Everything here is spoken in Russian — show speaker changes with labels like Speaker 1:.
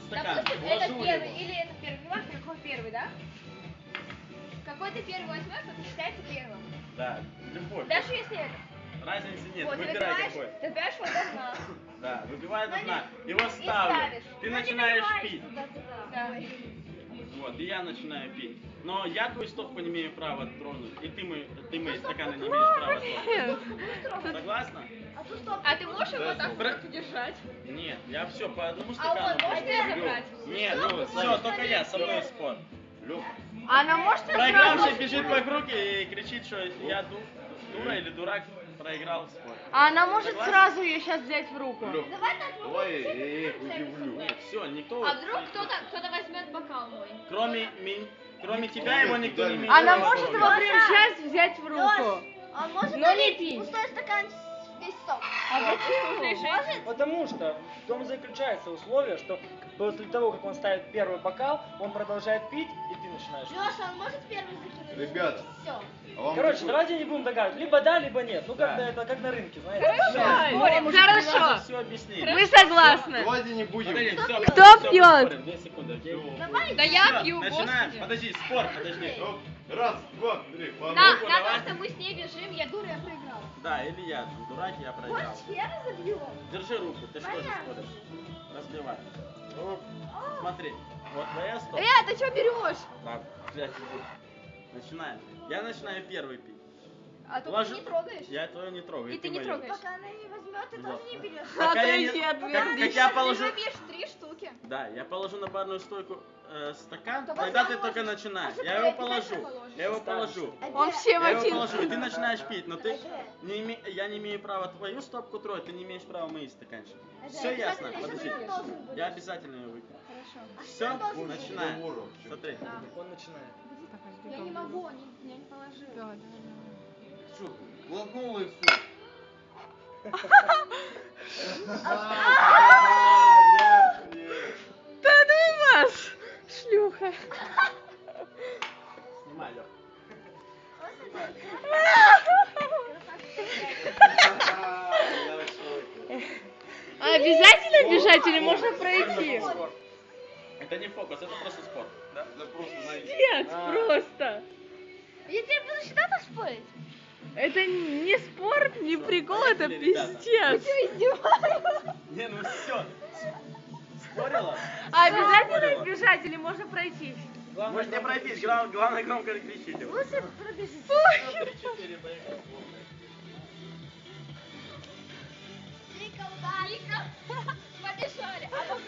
Speaker 1: стакан.
Speaker 2: Допустим, это первый или это первый. Не важно, какой первый, да? Какой ты первый возьмешь, это считается первым.
Speaker 1: Да, любой.
Speaker 2: Даже если это.
Speaker 1: Разницы нет,
Speaker 2: Вот,
Speaker 1: выбирай какой.
Speaker 2: ты берешь вот до дна.
Speaker 1: Да, выпивай до дна.
Speaker 2: И
Speaker 1: Его ставлю.
Speaker 2: ставишь.
Speaker 1: Ты начинаешь пить.
Speaker 2: Да.
Speaker 1: Вот, и я начинаю пить. Но я твою стопку не имею права тронуть. И ты мои стаканы не имеешь права тронуть. Согласна?
Speaker 2: А ты можешь его так просто держать?
Speaker 1: Нет, я все по одному
Speaker 2: А
Speaker 1: стакану.
Speaker 2: он может забрать?
Speaker 1: Нет, ну все, только я, со мной спор.
Speaker 3: Она может
Speaker 1: Проигравший бежит вокруг и кричит, что я дура или дурак, проиграл спор.
Speaker 3: А она может
Speaker 1: Согласна?
Speaker 3: сразу ее сейчас взять в руку.
Speaker 4: Давай я их удивлю.
Speaker 1: Нет, все, никто...
Speaker 2: А вдруг кто-то возьмет бокал мой?
Speaker 1: Кроме тебя его никто не имеет
Speaker 3: Она
Speaker 1: права
Speaker 3: может его
Speaker 1: трогать.
Speaker 3: прямо сейчас взять в руку.
Speaker 5: Он может
Speaker 3: Но не пить.
Speaker 5: пустой стакан весь сок.
Speaker 3: А почему?
Speaker 6: Потому что в том заключается условие, что после того, как он ставит первый бокал, он продолжает пить, и ты начинаешь пить.
Speaker 5: Леша, он может первый закинуть?
Speaker 4: Ребят,
Speaker 5: Все.
Speaker 4: а вам
Speaker 6: Короче,
Speaker 4: какой-
Speaker 6: давайте не будем догадывать. Либо да, либо нет. Ну, как-то
Speaker 1: Да.
Speaker 6: это как на рынке, знаете.
Speaker 3: Хорошо.
Speaker 1: Все объяснить.
Speaker 3: Мы согласны.
Speaker 4: Давайте не будем.
Speaker 1: Подожди, всё,
Speaker 3: Кто
Speaker 1: всё,
Speaker 3: пьет?
Speaker 1: поспорим, 2 секунды.
Speaker 5: Давай.
Speaker 2: Да я
Speaker 1: Всё,
Speaker 2: пью,
Speaker 1: начинаем.
Speaker 2: господи.
Speaker 1: Подожди, спор, подожди.
Speaker 4: Оп, раз, два, три, по
Speaker 2: Да,
Speaker 4: одному.
Speaker 2: на
Speaker 1: давай.
Speaker 2: то, что мы с ней бежим, я дура, я проиграла.
Speaker 1: Да, или я, там, дурак, я проиграл.
Speaker 5: Сферы забьем.
Speaker 1: Держи руку, ты что же споришь? Разбивай. Оп. Смотри, вот твоя стопка.
Speaker 2: Ты что берешь?
Speaker 1: Так, взять иди. Начинаем. Я начинаю первый пить.
Speaker 2: А то
Speaker 1: Ложу-
Speaker 2: ты не трогаешь.
Speaker 1: Я твою не трогаю.
Speaker 2: И ты не
Speaker 1: мою.
Speaker 2: трогаешь.
Speaker 5: Пока она не возьмет, ты
Speaker 1: Вот.
Speaker 5: тоже не берешь.
Speaker 1: Пока я
Speaker 3: Отойди
Speaker 1: не-
Speaker 3: от меня.
Speaker 1: как я
Speaker 2: Ты
Speaker 1: положу...
Speaker 2: забьешь 3 штуки.
Speaker 1: Да, я положу на барную стойку стакан,
Speaker 2: То
Speaker 1: тогда
Speaker 2: потом
Speaker 1: ты только
Speaker 2: можешь-
Speaker 1: начинаешь.
Speaker 2: а
Speaker 1: Я
Speaker 2: ты
Speaker 1: его
Speaker 2: обязательно
Speaker 1: положу.
Speaker 2: положишь.
Speaker 1: Я его положу.
Speaker 3: Он всем
Speaker 1: Я его
Speaker 3: один.
Speaker 1: положу, и ты начинаешь пить, но ты я не имею права твою стопку трогать, ты не имеешь права мои стаканчики. Все ясно? Подожди. Я обязательно ее выпью. Все, начинаем. Смотри.
Speaker 6: Он начинает.
Speaker 2: Я не могу, я не положила.
Speaker 4: Что, глотнула и все.
Speaker 3: Да ну вас, шлюха.
Speaker 1: Снимай, Лёх.
Speaker 3: А обязательно бежать или можно пройти?
Speaker 1: Это не фокус, это просто спорт. Да?
Speaker 4: Это просто
Speaker 3: Нет, просто.
Speaker 5: Я теперь буду всегда так спорить.
Speaker 3: Это не спорт, не прикол, это
Speaker 1: Поехали, ребята.
Speaker 3: пиздец.
Speaker 1: Не, ну все. Спорила?
Speaker 3: А обязательно
Speaker 1: Спорила.
Speaker 3: бежать или можно пройти?
Speaker 1: Можешь не пройтись, главное громко кричите.
Speaker 5: Лучше пробежи.
Speaker 1: 3-4, поехали.
Speaker 5: Три колбаска.
Speaker 2: Побежали. А